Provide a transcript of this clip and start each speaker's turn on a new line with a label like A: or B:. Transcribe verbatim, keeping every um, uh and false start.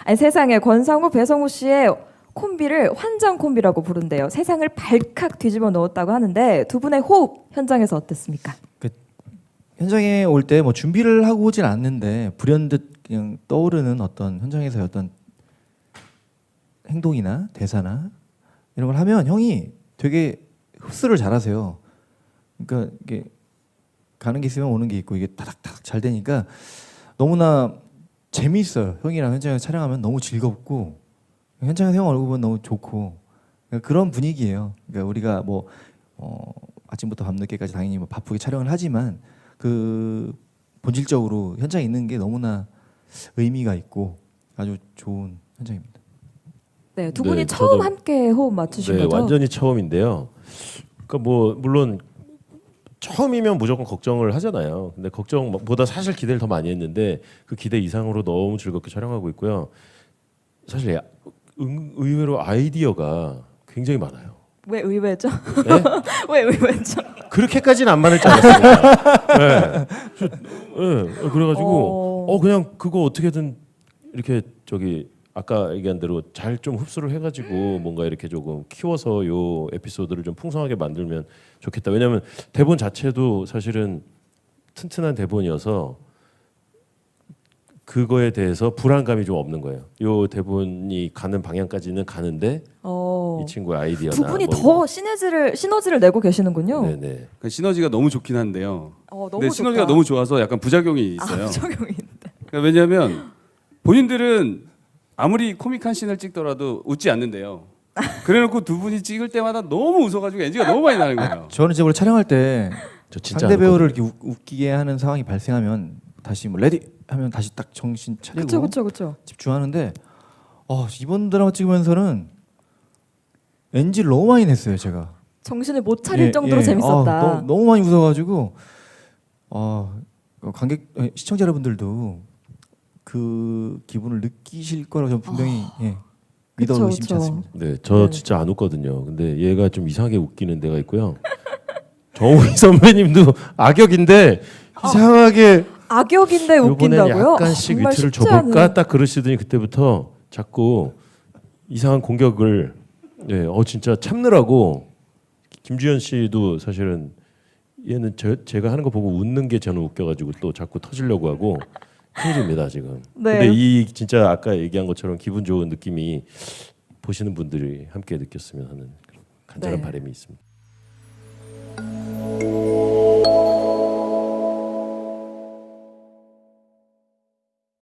A: 아니, 세상에 권상우, 배성우 씨의 콤비를 환장 콤비라고 부른대요. 세상을 발칵 뒤집어 놓았다고 하는데 두 분의 호흡 현장에서 어땠습니까?
B: 그 현장에 올 때 뭐 준비를 하고 오진 않는데 불현듯 그냥 떠오르는 어떤 현장에서의 어떤 행동이나 대사나 이런 걸 하면 형이 되게 흡수를 잘하세요. 그러니까 이게 가는 게 있으면 오는 게 있고 이게 타닥타닥 잘 되니까 너무나 재미있어요. 형이랑 현장에서 촬영하면 너무 즐겁고 현장에서 형 얼굴 보면 너무 좋고 그러니까 그런 분위기예요. 그러니까 우리가 뭐 어, 아침부터 밤늦게까지 당연히 뭐 바쁘게 촬영을 하지만 그 본질적으로 현장에 있는 게 너무나 의미가 있고 아주 좋은 현장입니다.
A: 네, 두 분이
C: 네,
A: 처음
C: 저도-
A: 함께 호흡 맞추신
C: 네,
A: 거죠?
C: 완전히 처음인데요. 그러니까 뭐 물론 처음이면 무조건 걱정을 하잖아요. 근데 걱정보다 사실 기대를 더 많이 했는데 그 기대 이상으로 너무 즐겁게 촬영하고 있고요. 사실 야- 응- 의외로 아이디어가 굉장히 많아요.
A: 왜 의외죠?
C: 네?
A: 왜 의외죠?
C: 그렇게까지는 안 많을 줄 알았어요. 네. 저, 네. 그래가지고
A: 어...
C: 어 그냥 그거 어떻게든 이렇게 저기 아까 얘기한 대로 잘 좀 흡수를 해가지고 뭔가 이렇게 조금 키워서 요 에피소드를 좀 풍성하게 만들면 좋겠다. 왜냐하면 대본 자체도 사실은 튼튼한 대본이어서 그거에 대해서 불안감이 좀 없는 거예요. 요 대본이 가는 방향까지는 가는데
A: 어...
C: 이 친구의 아이디어나
A: 두 분이
C: 뭐
A: 더 시너지를 시너지를 내고 계시는군요.
C: 네네.
D: 그 시너지가 너무 좋긴 한데요.
A: 어, 너무
D: 근데 시너지가
A: 좋다.
D: 너무 좋아서 약간 부작용이 있어요.
A: 아, 적용이
D: 그러니까 왜냐하면 본인들은 아무리 코믹한 씬을 찍더라도 웃지 않는데요. 그래놓고 두 분이 찍을 때마다 너무 웃어가지고 엔지가 너무 많이 나는 거예요.
B: 저는 이제 원래 촬영할 때
C: 저 진짜
B: 상대
C: 안
B: 배우를
C: 웃거든요.
B: 이렇게 웃, 웃기게 하는 상황이 발생하면 다시 뭐 레디 하면 다시 딱 정신 차리고
A: 그렇죠, 그렇죠, 그렇죠.
B: 집중하는데 어, 이번 드라마 찍으면서는 엔지를 너무 많이 냈어요 제가.
A: 정신을 못 차릴
B: 예,
A: 정도로
B: 예.
A: 재밌었다.
B: 아, 너무, 너무 많이 웃어가지고 어, 관객 아니, 시청자 여러분들도 그 기분을 느끼실 거라고 저는 분명히 예, 믿어
A: 그쵸,
B: 의심치
A: 그쵸.
B: 않습니다.
C: 네, 저
A: 네.
C: 진짜 안 웃거든요. 근데 얘가 좀 이상하게 웃기는 데가 있고요. 정우희 선배님도 악역인데 이상하게
A: 악역인데
C: 이번엔
A: 웃긴다고요?
C: 약간씩
A: 정말
C: 위트를
A: 쉽지
C: 줘볼까
A: 않은-
C: 딱 그러시더니 그때부터 자꾸 이상한 공격을 네, 어 진짜 참느라고 김주현 씨도 사실은 얘는 저, 제가 하는 거 보고 웃는 게 저는 웃겨가지고 또 자꾸 터지려고 하고 큰일입니다 지금.
A: 네.
C: 근데 이 진짜 아까 얘기한 것처럼 기분 좋은 느낌이 보시는 분들이 함께 느꼈으면 하는 그런 간절한
A: 네.
C: 바람이 있습니다.